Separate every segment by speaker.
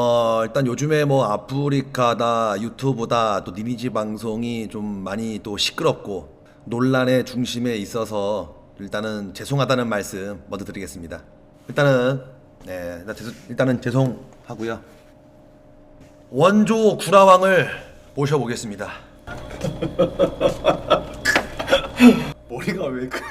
Speaker 1: 일단 요즘에 뭐 아프리카다 유튜브다 또 니니지 방송이 좀 많이 또 시끄럽고 논란의 중심에 있어서 일단은 죄송하다는 말씀 먼저 드리겠습니다. 일단은 일단은 죄송하고요. 원조 구라왕을 모셔보겠습니다.
Speaker 2: 머리가 왜 그?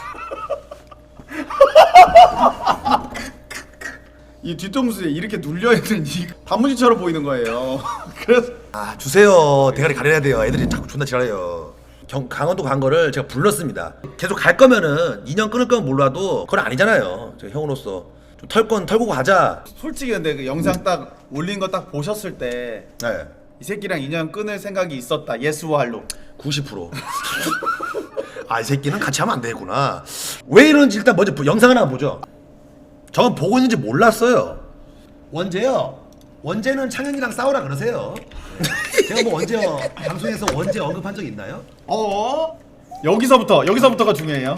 Speaker 2: 이 뒤통수에 이렇게 눌려 있는 이 단무지처럼 보이는 거예요. 그래서
Speaker 1: 주세요. 대가리 가려야 돼요. 애들이 자꾸 존나 지랄해요. 강원도 간 거를 제가 불렀습니다. 계속 갈 거면은 2년 끊을 건 몰라도 그건 아니잖아요. 제가 형으로서 좀 털 건 털고 가자.
Speaker 2: 솔직히 근데 그 영상 딱 올린 거 딱 보셨을 때 이 새끼랑 2년 끊을 생각이 있었다. 예스와 할로
Speaker 1: 90%. 이 새끼는 같이 하면 안 되겠구나. 왜 이러는지 일단 먼저 영상을 하나 보죠. 저건 보고 있는지 몰랐어요. 원재요. 원재는 창현이랑 싸우라 그러세요. 제가 뭐 언제 방송에서 원재 언급한 적 있나요?
Speaker 2: 여기서부터가 중요해요.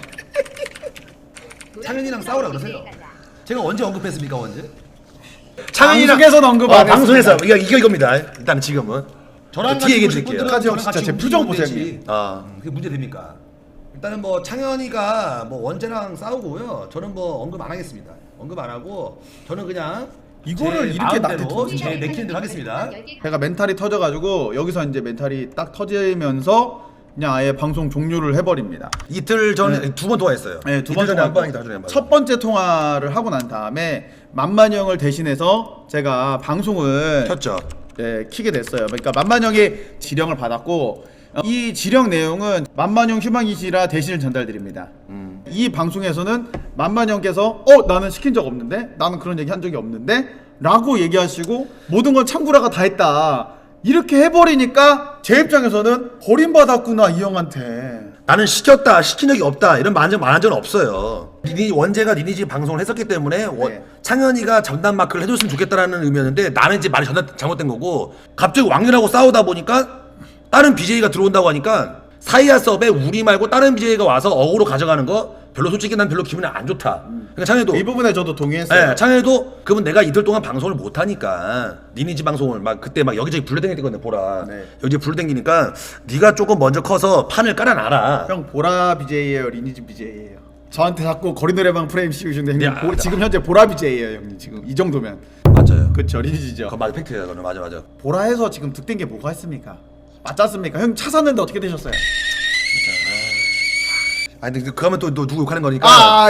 Speaker 1: 창현이랑 싸우라 그러세요. 제가 언제 언급했습니까, 원재?
Speaker 2: 방송에서는 언급 안 했습니다.
Speaker 1: 방송에서 이겁니다. 일단 지금은
Speaker 2: 저랑
Speaker 1: 뒤에 얘기해 드릴게요.
Speaker 2: 형 진짜 제 표정 보세요.
Speaker 1: 그게 문제 됩니까? 일단은 뭐 창현이가 뭐 원재랑 싸우고요. 저는 뭐 언급 안 하겠습니다. 언급 안 하고 저는 그냥
Speaker 2: 이거를
Speaker 1: 제
Speaker 2: 이렇게
Speaker 1: 마음대로
Speaker 2: 나한테
Speaker 1: 제 내키는 대로 하겠습니다.
Speaker 2: 제가 멘탈이 터져가지고 여기서 이제 멘탈이 딱 터지면서 그냥 아예 방송 종료를 해버립니다.
Speaker 1: 이틀 전에 두 번 통화했어요.
Speaker 2: 네, 두 번
Speaker 1: 전에 한 번,
Speaker 2: 첫 번째 통화를 하고 난 다음에 만만 형을 대신해서 제가 방송을
Speaker 1: 켰죠.
Speaker 2: 키게 됐어요. 그러니까 만만 형이 지령을 받았고 이 지령 내용은 만만 형 휴방이시라 대신을 전달드립니다. 이 방송에서는 만만 형께서 나는 시킨 적 없는데, 나는 그런 얘기 한 적이 없는데 라고 얘기하시고 모든 건 창구라가 다 했다 이렇게 해버리니까 제 입장에서는 버림받았구나 이 형한테.
Speaker 1: 나는 시켰다, 시킨 적이 없다 이런 말한 적은 없어요. 원재가 니니지 방송을 했었기 때문에 창현이가 전담 마크를 해줬으면 좋겠다라는 의미였는데 나는 이제 말이 잘못된 거고, 갑자기 왕년하고 싸우다 보니까 다른 BJ가 들어온다고 하니까 사이아 서브에 우리 말고 다른 BJ가 와서 어그로 가져가는 거 별로 솔직히 난 별로 기분이 안 좋다. 그러니까 창현이도
Speaker 2: 이 부분에 저도 동의했어요.
Speaker 1: 네, 창현이도 그러면 내가 이틀 동안 방송을 못 하니까 니니지 방송을 막 그때 막 여기저기 불러댕겼거든 보라. 여기저기 불러댕기니까 네가 조금 먼저 커서 판을 깔아놔라.
Speaker 2: 형 보라 BJ예요, 리니지 BJ예요. 저한테 자꾸 거리 노래방 프레임 씌우시는데 형님 지금 현재 보라 BJ예요, 형님. 지금 이 정도면
Speaker 1: 맞아요.
Speaker 2: 그쵸, 리니지죠.
Speaker 1: 그거 맞아, 팩트야. 그거는 맞아.
Speaker 2: 보라에서 지금 득된 게 뭐가 있습니까? 맞지 않습니까? 형 차 샀는데 어떻게 되셨어요?
Speaker 1: 근데 그러면 또 누구 욕하는 거니까.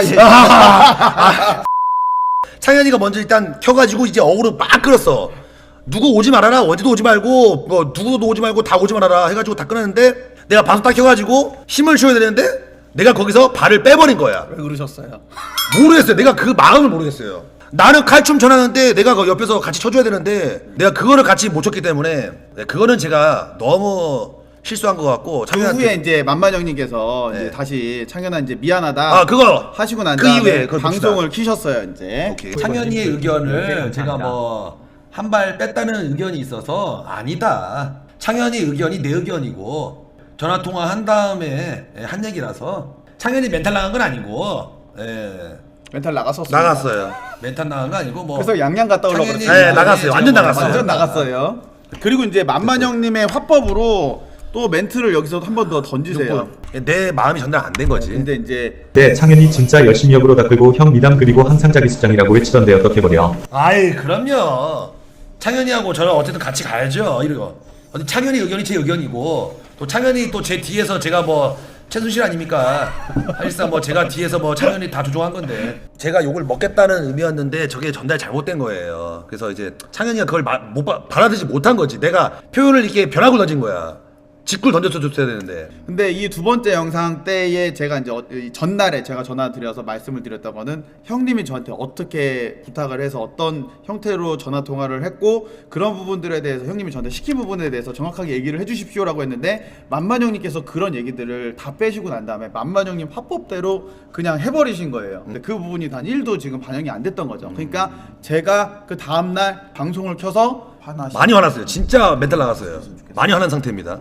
Speaker 1: 창현이가 먼저 일단 켜가지고 이제 어그로 막 끌었어. 누구 오지 말아라, 원재도 오지 말고 뭐 누구도 오지 말고 다 오지 말아라 해가지고 다 끊었는데 내가 방송 딱 켜가지고 힘을 줘야 되는데 내가 거기서 발을 빼버린 거야.
Speaker 2: 왜 그러셨어요?
Speaker 1: 모르겠어요. 내가 그 마음을 모르겠어요. 나는 칼춤 전하는데 내가 그 옆에서 같이 쳐줘야 되는데 내가 그거를 같이 못 쳤기 때문에 그거는 제가 너무 실수한 것 같고.
Speaker 2: 그 후에 이제 만만 형님께서 이제 다시 창현아 이제 미안하다
Speaker 1: 그거
Speaker 2: 하시고 난
Speaker 1: 그
Speaker 2: 다음에
Speaker 1: 이후에
Speaker 2: 방송을 키셨어요 이제.
Speaker 1: 오케이. 창현이의 의견을 제가 뭐 한 발 뺐다는 의견이 있어서 아니다. 창현이 의견이 내 의견이고 전화 통화 한 다음에 한 얘기라서 창현이 멘탈 나간 건 아니고.
Speaker 2: 멘탈
Speaker 1: 나갔어요. 멘탈 나간 거 아니고 뭐.
Speaker 2: 그래서 양양 갔다 오려고
Speaker 1: 그랬어요. 네, 나갔어요. 완전 나갔어요.
Speaker 2: 완전 나갔어요. 그리고 이제 만만 형님의 화법으로 또 멘트를 여기서 한 번 더 던지세요.
Speaker 1: 내 마음이 전달 안 된 거지.
Speaker 2: 근데 이제
Speaker 3: 창현이 진짜 열심히 역으로 닦고 형 미담 그리고 항상 자기 수장이라고 외치던데 어떻게 버려?
Speaker 1: 그럼요. 창현이하고 저는 어쨌든 같이 가야죠. 이러고. 창현이 의견이 제 의견이고 또 창현이 또 제 뒤에서 제가 뭐 최순실 아닙니까? 사실상 뭐 제가 뒤에서 뭐 창현이 다 조종한 건데 제가 욕을 먹겠다는 의미였는데 저게 전달 잘못된 거예요. 그래서 이제 창현이가 그걸 받아들이지 못한 거지. 내가 표현을 이렇게 벼락을 던진 거야. 직구를 던져줬어야 되는데.
Speaker 2: 근데 이 두 번째 영상 때에 제가 이제 전날에 제가 전화 드려서 말씀을 드렸던 거는 형님이 저한테 어떻게 부탁을 해서 어떤 형태로 전화 통화를 했고 그런 부분들에 대해서 형님이 저한테 시킨 부분에 대해서 정확하게 얘기를 해주십시오라고 했는데 만만 형님께서 그런 얘기들을 다 빼시고 난 다음에 만만 형님 화법대로 그냥 해버리신 거예요. 근데 그 부분이 단 1도 지금 반영이 안 됐던 거죠. 그러니까 제가 그 다음날 방송을 켜서
Speaker 1: 많이 화났어요. 진짜 멘탈 나갔어요. 많이 화난 상태입니다.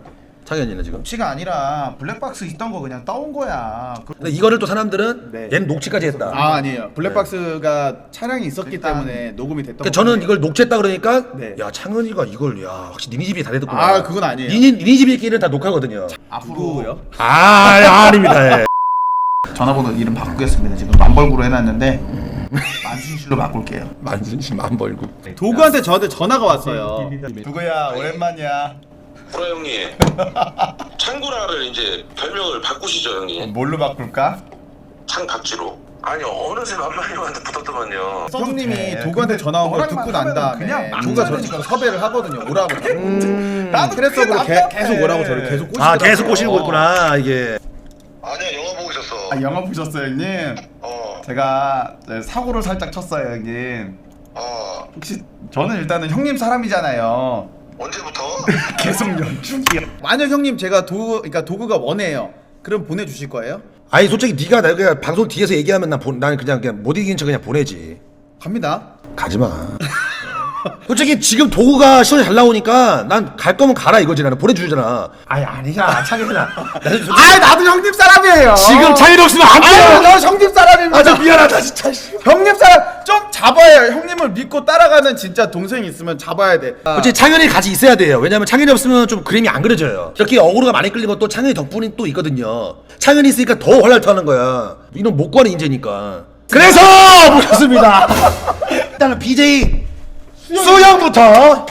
Speaker 1: 창현이는 지금.
Speaker 2: 녹취가 아니라 블랙박스 있던 거 그냥 따온 거야.
Speaker 1: 근데 이거를 또 사람들은
Speaker 2: 네.
Speaker 1: 얘는 녹취까지 했다.
Speaker 2: 아 아니에요. 블랙박스가 차량이 있었기 때문에 녹음이 됐던
Speaker 1: 그러니까 저는
Speaker 2: 거거든요.
Speaker 1: 이걸 녹취했다 그러니까
Speaker 2: 네.
Speaker 1: 야 창현이가 이걸 야 확실히 니네 집이 다 됐구나.
Speaker 2: 아 그건 아니에요.
Speaker 1: 니네 집끼리는 다 녹화거든요.
Speaker 2: 앞으로요?
Speaker 1: 아닙니다. 예.
Speaker 2: 전화번호 이름 바꾸겠습니다. 지금 만벌구로 해놨는데 만순실로 바꿀게요.
Speaker 1: 만순씨 만벌구.
Speaker 2: 도구한테 저한테 전화가 왔어요. 누구야? 오랜만이야.
Speaker 4: 구라 형님 창구라를 이제 별명을 바꾸시죠 형님.
Speaker 2: 뭘로 바꿀까?
Speaker 4: 창박지로. 아니 어느새 만만형한테 붙었더만요.
Speaker 2: 형님이 도구한테 전화 온 걸 듣고 난 다음에 도구가 저를 지금 섭외를 하거든요. 오라고. 나도 트레서브로 계속 오라고 저를 계속 꼬시더라고요.
Speaker 1: 아 계속 꼬시고 있구나 이게.
Speaker 4: 아니야 영화 보고 있었어.
Speaker 2: 아 영화 보셨어요 형님? 제가 사고를 살짝 쳤어요 형님. 혹시 저는 일단은 형님 사람이잖아요.
Speaker 4: 언제부터?
Speaker 2: 계속 연출이요. 만약 형님 제가 그러니까 도구가 원해요. 그럼 보내주실 거예요?
Speaker 1: 아니 솔직히 네가 내가 방송 뒤에서 얘기하면 난 그냥 못 이긴 척 그냥 보내지.
Speaker 2: 갑니다.
Speaker 1: 가지 마. 솔직히 지금 도구가 시원히 잘 나오니까 난 갈 거면 가라 이거지. 나는 보내주잖아. 아니 아니야 창현아.
Speaker 2: 아 나도 형님 사람이에요.
Speaker 1: 지금 창현이 없으면 안 돼.
Speaker 2: 아유 너 형님 사람입니다.
Speaker 1: 아 저 미안하다 진짜.
Speaker 2: 형님 사람 좀 잡아야 형님을 믿고 따라가는 진짜 동생이 있으면 잡아야 돼.
Speaker 1: 솔직히 창현이 같이 있어야 돼요. 왜냐면 창현이 없으면 좀 그림이 안 그려져요. 이렇게 어그로가 많이 끌린 것도 창현이 덕분이 또 있거든요. 창현이 있으니까 더 활랄토하는 거야. 이놈 못 구하는 인재니까. 그래서 모셨습니다. 일단은 BJ 수영부터.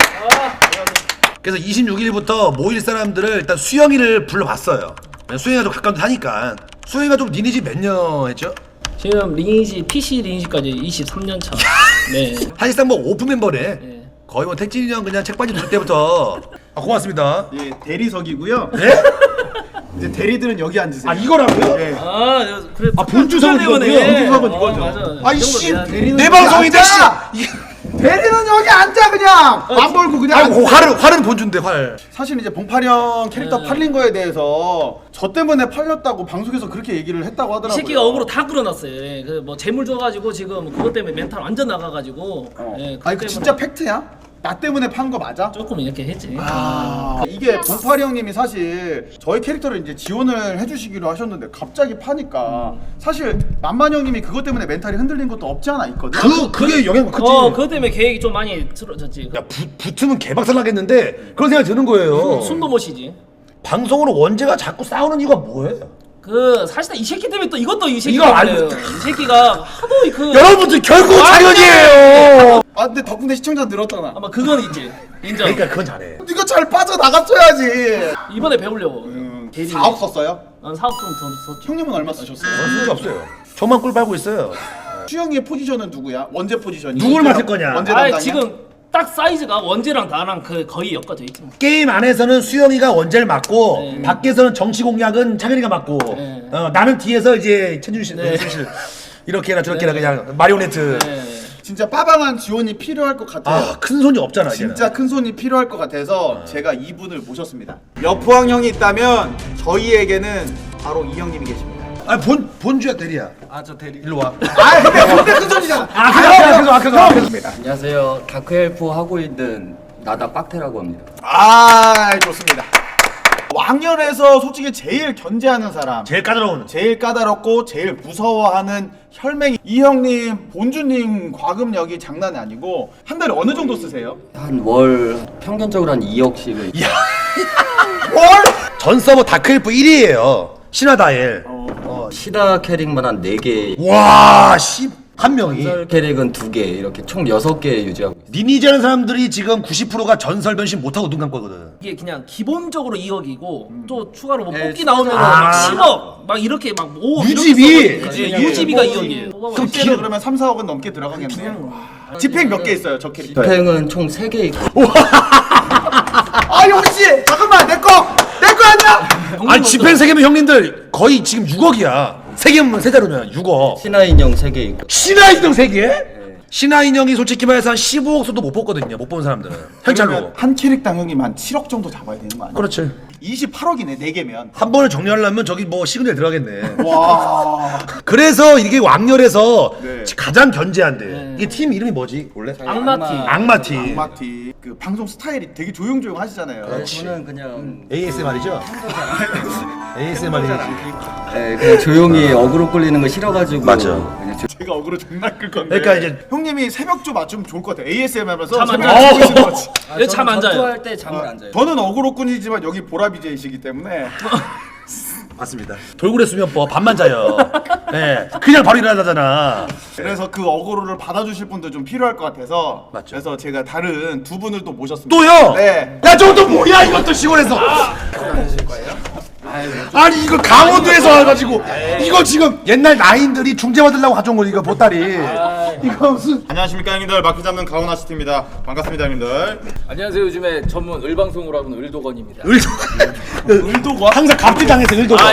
Speaker 1: 그래서 26일부터 모일 사람들을 일단 수영이를 불러봤어요. 수영이가 좀 가까운 데 사니까. 수영이가 좀 니네 집 몇 년 했죠?
Speaker 5: 지금 리니지 PC 리니지까지 23년 차. 네.
Speaker 1: 사실상 뭐 오픈 멤버네.
Speaker 5: 네.
Speaker 1: 거의 뭐 택진이 형 그냥 책받이 둘 때부터. 아 고맙습니다.
Speaker 2: 예 대리석이고요.
Speaker 1: 네?
Speaker 2: 이제 대리들은 여기 앉으세요.
Speaker 1: 아 이거라고요?
Speaker 2: 예.
Speaker 5: 아, 그래.
Speaker 1: 아, 본주석은 이거고요.
Speaker 2: 본주석은 이거죠.
Speaker 5: 맞아.
Speaker 1: 아이
Speaker 5: 이 정도
Speaker 1: 씨,
Speaker 5: 돼야 돼.
Speaker 1: 내 방송인데 씨.
Speaker 2: 대리는 여기 앉아 그냥 안 벌고 그냥.
Speaker 1: 아,
Speaker 2: 앉으세요.
Speaker 1: 활은 본준데 활.
Speaker 2: 사실 이제 봉파령 캐릭터 팔린 거에 대해서 저 때문에 팔렸다고 방송에서 그렇게 얘기를 했다고
Speaker 5: 이
Speaker 2: 하더라고요.
Speaker 5: 새끼가 억으로 다 끌어놨어요. 예. 그뭐 재물 줘가지고 지금 그것 때문에 멘탈 완전 나가가지고. 예, 그것
Speaker 2: 아니 그
Speaker 5: 때문에
Speaker 2: 진짜 팩트야? 나 때문에 판 거 맞아?
Speaker 5: 조금 이렇게 했지.
Speaker 2: 이게 봉파리 형님이 사실 저희 캐릭터를 이제 지원을 해주시기로 하셨는데 갑자기 파니까 사실 만만 형님이 그것 때문에 멘탈이 흔들린 것도 없지 않아 있거든.
Speaker 1: 그게 영향 크지.
Speaker 5: 그것 때문에 계획이 좀 많이 틀어졌지.
Speaker 1: 야 붙으면 개박살 나겠는데 그런 생각이 드는 거예요.
Speaker 5: 숨도 못 쉬지.
Speaker 1: 방송으로 원재가 자꾸 싸우는 이유가 뭐예요?
Speaker 5: 그 사실상 이 새끼 때문에 또 이것도 이 새끼
Speaker 1: 이거
Speaker 5: 때문에요. 이 새끼가 하도 그
Speaker 1: 여러분들 결국 장현이에요.
Speaker 2: 아 근데 덕분에 시청자 늘었잖아.
Speaker 5: 아마 그건 있지. 인정.
Speaker 1: 그러니까 그건 잘해.
Speaker 2: 네가 잘 빠져나갔어야지.
Speaker 5: 이번에 배우려고. 대리.
Speaker 2: 4억 썼어요?
Speaker 5: 사업 좀더 썼지.
Speaker 2: 형님은 얼마 쓰셨어요?
Speaker 1: 쓸게 없어요. 저만 꿀 빨고 있어요.
Speaker 2: 수영이의 포지션은 누구야? 원재 포지션이?
Speaker 1: 누굴 맡을 거냐?
Speaker 2: 원재
Speaker 5: 아
Speaker 2: 담당이야?
Speaker 5: 지금 딱 사이즈가 원재랑 나랑 그 거의 엮어져 있지.
Speaker 1: 게임 안에서는 수영이가 원재를 맡고
Speaker 5: 네.
Speaker 1: 밖에서는 정치 공략은 창현이가 맡고
Speaker 5: 네.
Speaker 1: 나는 뒤에서 이제 천준 씨,
Speaker 5: 네.
Speaker 1: 씨 이렇게나 저렇게나 그냥 마리오네트.
Speaker 5: 네.
Speaker 2: 진짜 빠방한 지원이 필요할 것 같아요.
Speaker 1: 아 큰 손이 없잖아. 이제는.
Speaker 2: 진짜 큰 손이 필요할 것 같아서 제가 이분을 모셨습니다. 여포항 형이 있다면 저희에게는 바로 이 형님이 계십니다.
Speaker 1: 아 본주야 대리야. 아 저 대리 일로 와.
Speaker 2: 아 근데 큰 손이잖아.
Speaker 1: 그래서
Speaker 6: 안녕하세요. 다크엘프 하고 있는 나다 빡테라고 합니다.
Speaker 2: 아 좋습니다. 왕년에서 솔직히 제일 견제하는 사람,
Speaker 1: 제일 까다로운.
Speaker 2: 제일 까다롭고 제일 무서워하는 혈맹이 이 형님, 본주님 과금력이 장난이 아니고 한 달에 어느 정도 쓰세요?
Speaker 6: 한 월 평균적으로 한 2억씩을
Speaker 1: 전 서버 다크엘프 1위에요. 신화다엘.
Speaker 6: 시다 캐릭만 한 4개,
Speaker 1: 와, 한 명이.
Speaker 6: 전설 캐릭은 2개 이렇게 총 6개 유지하고 있어요.
Speaker 1: 리니지 하는 사람들이 지금 90%가 전설 변신 못하고 눈 감고 거든.
Speaker 5: 이게 그냥 기본적으로 2억이고 또 추가로 뭐
Speaker 2: 네,
Speaker 5: 뽑기 나오면
Speaker 1: 아.
Speaker 5: 10억 막 이렇게 막 5억
Speaker 1: 유지비?
Speaker 5: 유지비가 2억이에요.
Speaker 2: 그럼 실제로 그러면 3, 4억은 넘게 들어가겠네요. 집행 몇 개 있어요, 저 캐릭터?
Speaker 6: 집행은 총 3개 있고
Speaker 2: 아 용씨 잠깐만 내 거 아니야?
Speaker 1: 아니 집행 3개면 형님들 거의 지금 6억이야. 3개면 세자로면 6억.
Speaker 6: 신화 인형 3개 있고
Speaker 1: 신화 인형 3개? 신화 인형이 솔직히 말해서 한 15억 수도 못 뽑거든요. 못 본 사람들은. 현찰로.
Speaker 2: 그러면 한 캐릭당 형님 한 7억 정도 잡아야 되는 거 아니야?
Speaker 1: 그렇지.
Speaker 2: 28억이네 4개면.
Speaker 1: 한 번을 정리하려면 저기 뭐 시그널 들어가겠네.
Speaker 2: 와.
Speaker 1: 그래서 이게 왕렬에서
Speaker 2: 네.
Speaker 1: 가장 견제한대.
Speaker 5: 네.
Speaker 1: 이게 팀 이름이 뭐지 원래?
Speaker 5: 악마팀.
Speaker 1: 악마팀.
Speaker 2: 악마티 그 방송 스타일이 되게 조용조용 하시잖아요.
Speaker 6: 저는 그냥
Speaker 1: ASMR이죠? ASMR이지.
Speaker 6: 네, 그냥 조용히 어그로 끌리는 거 싫어가지고
Speaker 1: 맞아.
Speaker 6: 그냥
Speaker 2: 제가 어그로 존나 끌 건데.
Speaker 1: 그러니까 이제
Speaker 2: 형님이 새벽조 맞추면 좋을 것 같아요. ASMR 하면서
Speaker 5: 잠안
Speaker 2: 새벽
Speaker 5: 자요.
Speaker 2: 주무시는 거지.
Speaker 5: 여기 잠 안 자요.
Speaker 6: 전투할 때 잠을 안 자요.
Speaker 2: 저는 어그로꾼이지만 여기 보라 BJ이시기 때문에
Speaker 1: 맞습니다. 돌고래 수면법 밤만 자요. 네, 그냥 바로 일어나잖아.
Speaker 2: 그래서 그 어그로를 받아주실 분도 좀 필요할 것 같아서
Speaker 1: 맞죠.
Speaker 2: 그래서 제가 다른 두 분을 또 모셨습니다.
Speaker 1: 또요?
Speaker 2: 네.
Speaker 1: 야 저것도 뭐야 이것도 시골에서. 아니 이거 강원도에서 와가지고 이거 지금 옛날 나인들이 중재 받으려고 가져온 거 이거 보따리. 이거 무슨
Speaker 7: 안녕하십니까 형님들, 마크 잡는 가오나시티입니다. 반갑습니다 형님들.
Speaker 8: 안녕하세요. 요즘에 전문 을방송으로 하는 을도건입니다.
Speaker 1: 을도가 항상 갑질당해서 을도가.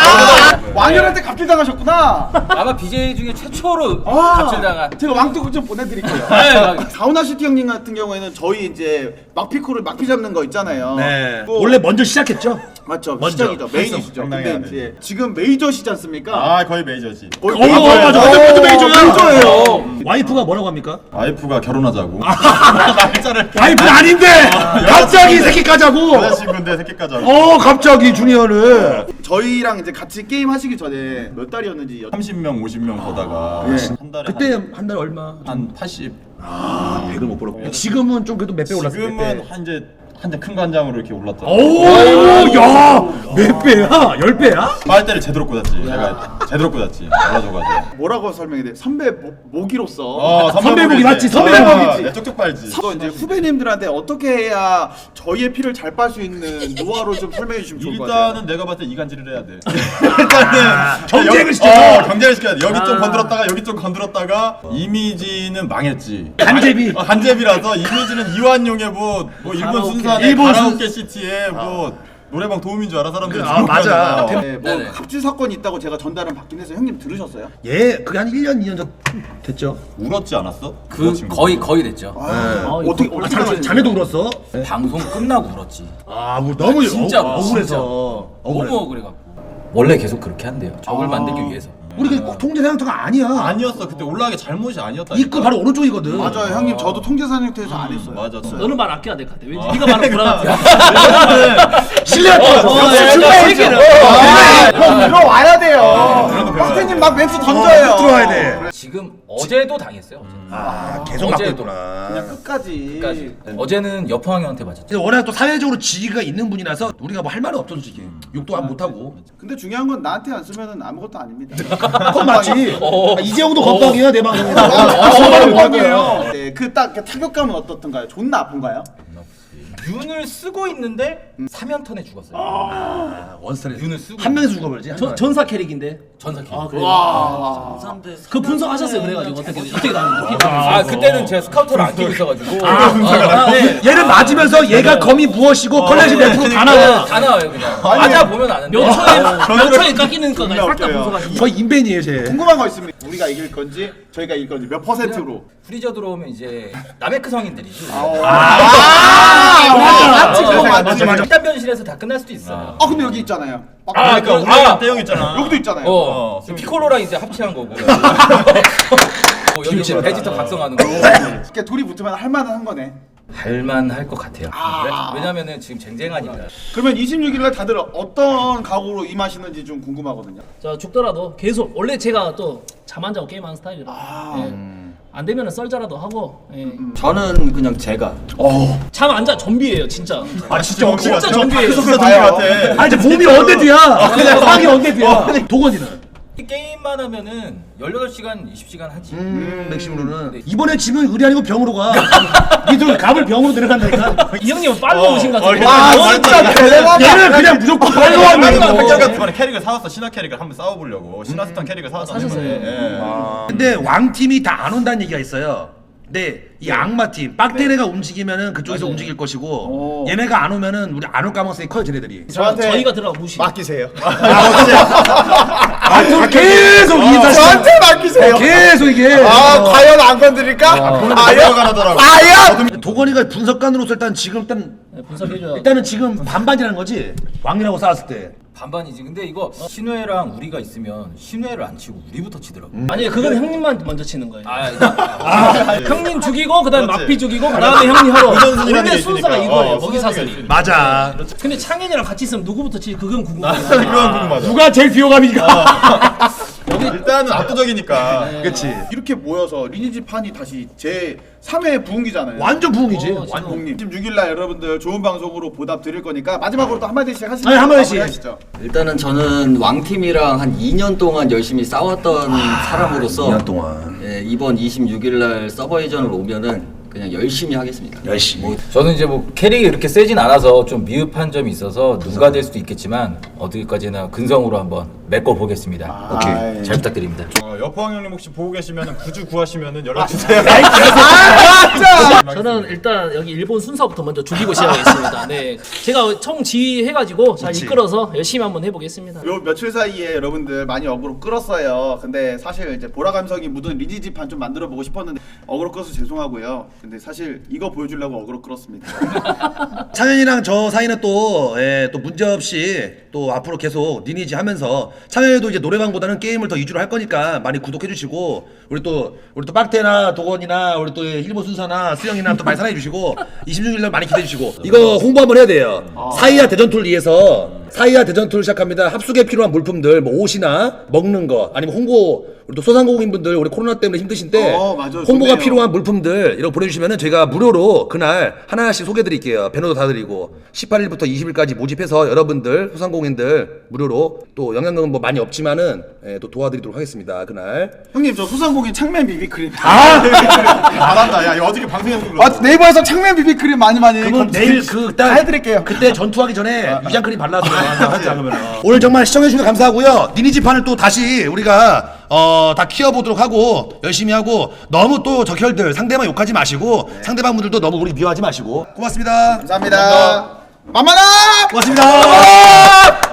Speaker 2: 왕년한테 갑질당하셨구나.
Speaker 8: 아마 BJ 중에 최초로 갑질당한.
Speaker 2: 제가 왕뚜껑 좀 보내드릴게요. 가오나시티 형님 같은 경우에는 저희 이제 막피코를 막피 잡는 거 있잖아요.
Speaker 1: 네.
Speaker 2: 또-
Speaker 1: 원래 먼저 시작했죠.
Speaker 2: 맞죠.
Speaker 1: 먼저.
Speaker 2: 시작이죠. 메인이시죠.
Speaker 7: 장난이
Speaker 2: 근데
Speaker 7: 아니에요.
Speaker 2: 이제 지금 메이저시지 않습니까?
Speaker 7: 아 거의 메이저지.
Speaker 2: 거의
Speaker 1: 맞아. 어떤 메이저야?
Speaker 2: 메이저예요.
Speaker 1: 와이프가 뭐라고 합니까?
Speaker 7: 와이프가 결혼하자고.
Speaker 1: 와이프는 아닌데 갑자기 새끼 까자고.
Speaker 7: 여자친구인데 새끼까지 하고.
Speaker 1: 갑자기 주니어는.
Speaker 2: 저희랑 이제 같이 게임 하시기 전에 몇 달이었는지
Speaker 7: 30명 50명 보다가 한 달에
Speaker 1: 그때 한 달 얼마?
Speaker 7: 한 80.
Speaker 1: 100을 못 벌었고. 지금은 좀 그래도 몇 배 올랐어.
Speaker 7: 지금은 한 큰 간장으로 이렇게 올랐죠.
Speaker 1: 야, 몇 배야? 10배야?
Speaker 7: 빨대를 제대로 꽂았지. 내가 제대로 꽂았지. 알아줘가지고.
Speaker 2: 뭐라고 설명해야 돼? 선배 모기로서
Speaker 1: 선배복이 맞지, 선배복이지.
Speaker 7: 내 쪽쪽 빨지.
Speaker 2: 또 이제 후배님들한테 어떻게 해야 저희의 피를 잘 빨 수 있는 노하우를 좀 설명해 주시면 좋을 것 같아요.
Speaker 7: 일단은 내가 봤을 때 이간질을 해야 돼. 일단은
Speaker 1: 경쟁을 시켜줘.
Speaker 7: 경쟁을 시켜야 돼. 여기 좀 건드렸다가 여기 좀 건드렸다가 이미지는 망했지.
Speaker 1: 간제비.
Speaker 7: 간제비라서 이미지는 이완용의 뭐 일본 순산의
Speaker 1: 일본
Speaker 7: 가라오케 시티에 뭐 노래방 도우미인 줄 알아 사람들이.
Speaker 1: 맞아.
Speaker 2: 네, 뭐
Speaker 8: 네네.
Speaker 2: 갑질 사건이 있다고 제가 전달은 받긴 해서 형님 들으셨어요?
Speaker 1: 예, 그게 한 1년, 2년 전 됐죠.
Speaker 7: 울었지 않았어?
Speaker 8: 그 거의 됐죠.
Speaker 2: 어떻게
Speaker 1: 자네도 울었어?
Speaker 8: 방송 끝나고 울었지.
Speaker 1: 너무
Speaker 8: 진짜
Speaker 1: 억울해서.
Speaker 8: 너무 억울해갖고. 원래 계속 그렇게 한대요. 적을 만들기 위해서.
Speaker 1: 우리 꼭 통제 상태가 아니야.
Speaker 7: 아니었어. 그때 올라가기 잘못이 아니었다.
Speaker 1: 입구 바로 오른쪽이거든.
Speaker 2: 맞아요 형님 저도 통제사 형태에서 안 했어요.
Speaker 7: 맞아.
Speaker 5: 너는 말 아껴야 될 것 같아. 왠지 네가 말을 불안하다.
Speaker 1: 신뢰가
Speaker 2: 형 들어와야 돼요. 박태님 막 멘트 던져요.
Speaker 1: 들어와야 돼.
Speaker 8: 지금 어제도 당했어요.
Speaker 1: 계속
Speaker 8: 어제도.
Speaker 1: 맡겼구나.
Speaker 2: 그냥 끝까지.
Speaker 8: 어제는 여포항이한테 맞았죠.
Speaker 1: 근데 워낙 또 사회적으로 지위가 있는 분이라서 우리가 뭐 할 말은 없죠 솔직히. 욕도 안 못하고.
Speaker 2: 근데 중요한 건 나한테 안 쓰면은 아무것도 아닙니다.
Speaker 1: 그건 맞지. 이재용도 건빵이야 내 방송에서.
Speaker 2: 정말 건이에요. 네, 그 딱 타격감은 어떻던가요? 존나 아픈가요?
Speaker 8: 윤을 쓰고 있는데 3연턴에 죽었어요.
Speaker 1: 원스타일.
Speaker 8: 윤을 쓰고
Speaker 1: 한 명에서 죽어버리지.
Speaker 5: 전사 캐릭인데.
Speaker 8: 전사 캐릭.
Speaker 5: 그 분석하셨어요 그래가지고 어떻게 나는지.
Speaker 8: 그때는 제가 스카우터를 안 끼고 있어가지고.
Speaker 1: 얘를 맞으면서 얘가 검이 무엇이고 컬렉션 몇 프로 다 나와.
Speaker 8: 다 나와요 그냥. 맞아 보면 아는데.
Speaker 5: 몇 초에 깎이는 거가 싹다 분석하시고.
Speaker 1: 저희 인벤이에요 쟤.
Speaker 2: 궁금한 거 있습니다. 우리가 이길 건지 저희가 이길 건지 몇 퍼센트로?
Speaker 8: 프리저 들어오면 이제 남해크 성인들이지.
Speaker 2: 맞지.
Speaker 8: 일단 변실에서 다 끝날 수도 있어요.
Speaker 2: 근데 여기 있잖아요.
Speaker 7: 그러니까 우리랑 대형 있잖아.
Speaker 2: 여기도 있잖아요.
Speaker 8: 피콜로랑 이제 합체한 거고. 여기 이제 베지터 각성하는 거.
Speaker 2: 이렇게 둘이 붙으면 할 만은 한 거네.
Speaker 8: 할만할 것 같아요. 왜냐면은 지금 쟁쟁하니까.
Speaker 2: 그러면 26일날 다들 어떤 각오로 임하시는지 좀 궁금하거든요.
Speaker 5: 자 죽더라도 계속 원래 제가 또 잠 안 자고 게임하는 스타일이라 안 되면은 썰자라도 하고
Speaker 6: 저는 그냥 제가
Speaker 5: 잠 안 자 좀비예요 진짜.
Speaker 7: 진짜
Speaker 5: 진짜 좀비예요.
Speaker 7: 좀비 같아.
Speaker 1: 이제 몸이 언데드야. 그냥 빵이 언데드야. 도건이는.
Speaker 8: 게임만 하면은 18시간, 20시간 하지.
Speaker 1: 맥심으로는 이번에 지면 의리 아니고 병으로 가. 니들 갑을 병으로 내려간다니까.
Speaker 5: 이 형님은 빨로 오신 것 같은데.
Speaker 1: 얘는 그냥 무조건 빨로
Speaker 7: 나도
Speaker 1: 하는 거.
Speaker 7: 백작가 이번에 캐릭을 사왔어. 신화 캐릭을 한번 싸워보려고. 신화스탄 캐릭을 사왔어.
Speaker 5: 사셨어요?
Speaker 1: 근데 왕팀이 다 안 온다는 얘기가 있어요. 근데 이 악마팀 빡테레가 움직이면은 그쪽에서 움직일 것이고 얘네가 안 오면은 우리 안 올 가능성이 커요 쟤네들이.
Speaker 5: 저희가 들어가 무시.
Speaker 2: 맡기세요.
Speaker 1: 계속 이 다시
Speaker 2: 저한테 맡기세요.
Speaker 1: 계속 이게
Speaker 2: 과연 안 건드릴까?
Speaker 7: 과연 하더라고.
Speaker 1: 도건이가 분석관으로서 일단 지금
Speaker 5: 분석해줘요.
Speaker 1: 일단은 지금 반반이라는 거지. 왕이라고 싸웠을 때.
Speaker 8: 반반이지. 근데 이거 신우회랑 우리가 있으면 신우회를 안 치고 우리부터 치더라고.
Speaker 5: 아니 그건 형님만 먼저 치는 거예요.
Speaker 8: 아,
Speaker 5: 형님 죽이고 그다음에
Speaker 7: 그렇지.
Speaker 5: 막피 죽이고 그다음에 형님 하러.
Speaker 7: 우선순위라는
Speaker 5: 원래
Speaker 7: 게
Speaker 5: 순서가
Speaker 7: 있으니까.
Speaker 5: 이거예요.
Speaker 7: 어,
Speaker 5: 먹이
Speaker 7: 순서가
Speaker 5: 사슬이.
Speaker 7: 있으니까.
Speaker 1: 맞아.
Speaker 5: 근데 창현이랑 같이 있으면 누구부터 치? 그건 궁금해요.
Speaker 7: 그건 궁금하다.
Speaker 1: 누가 제일 비호감이니까.
Speaker 7: 일단은 압도적이니까.
Speaker 2: 그렇지. 이렇게 모여서 리니지 판이 다시 제 3회 부흥기잖아요.
Speaker 1: 완전 부흥이지.
Speaker 2: 완봉님. 26일날 여러분들 좋은 방송으로 보답 드릴 거니까 마지막으로 또 한마디씩 하시죠.
Speaker 1: 네, 한마디씩.
Speaker 2: 하시죠.
Speaker 6: 일단은 저는 왕팀이랑 한 2년 동안 열심히 싸웠던 사람으로서
Speaker 1: 2년 동안.
Speaker 6: 예, 이번 26일 날 서버 이전을 오면은 그냥 열심히 하겠습니다.
Speaker 1: 열심히.
Speaker 8: 저는 이제 뭐 캐릭이 그렇게 세진 않아서 좀 미흡한 점이 있어서 누가 될 수도 있겠지만 어디까지나 근성으로 한번 메꿔 보겠습니다.
Speaker 2: 오케이.
Speaker 8: 잘 부탁드립니다.
Speaker 7: 여포왕 형님 혹시 보고 계시면은 구주 구하시면은 연락 주세요.
Speaker 5: 저는 일단 여기 일본 순서부터 먼저 죽이고 시작하겠습니다. 네, 제가 총 지휘해가지고 잘 이끌어서 열심히 한번 해보겠습니다.
Speaker 2: 요 며칠 사이에 여러분들 많이 어그로 끌었어요. 근데 사실 이제 보라 감성이 묻은 리니지 판 좀 만들어 보고 싶었는데 어그로 끌어서 죄송하고요. 근데 사실 이거 보여주려고 어그로 끌었습니다.
Speaker 1: 창현이랑 저 사이는 또, 또 문제 없이 또 앞으로 계속 리니지 하면서 창현이도 이제 노래방보다는 게임을 더 위주로 할 거니까 많이 구독해주시고 우리 또 빡태나 도건이나 우리 또 일본 순사나 수영이나 또 많이 사랑해주시고 26일날 많이 기대해주시고 이거 홍보 한번 해야 돼요. 사이야 대전투를 위해서 사이야 대전투를 시작합니다. 합숙에 필요한 물품들 뭐 옷이나 먹는 거 아니면 홍보 우리 또 소상공인분들 우리 코로나 때문에 힘드신데
Speaker 2: 맞아요.
Speaker 1: 홍보가
Speaker 2: 좋네요.
Speaker 1: 필요한 물품들 이런 거 보내주시면은 저희가 무료로 그날 하나씩 소개해드릴게요. 배너도 다 드리고 18일부터 20일까지 모집해서 여러분들 소상공인들 무료로 또 영향력은 뭐 많이 없지만은 또 도와드리도록 하겠습니다. 그날
Speaker 2: 형님 저 소상공인 창맨 비비크림.
Speaker 7: 잘한다. 야 이거 어저께 방송에서 불렀어.
Speaker 2: 네이버에서 창맨 비비크림 많이
Speaker 1: 그건 내일
Speaker 2: 다 해드릴게요.
Speaker 1: 그때 전투하기 전에 위장크림 발라서 하자 그러면 오늘 정말 시청해주셔서 감사하고요. 니니지판을 또 다시 우리가 다 키워보도록 하고 열심히 하고 너무 또 적혈들 상대방 욕하지 마시고 상대방 분들도 너무 우리 미워하지 마시고 고맙습니다.
Speaker 2: 감사합니다. 만만아!
Speaker 1: 고맙습니다.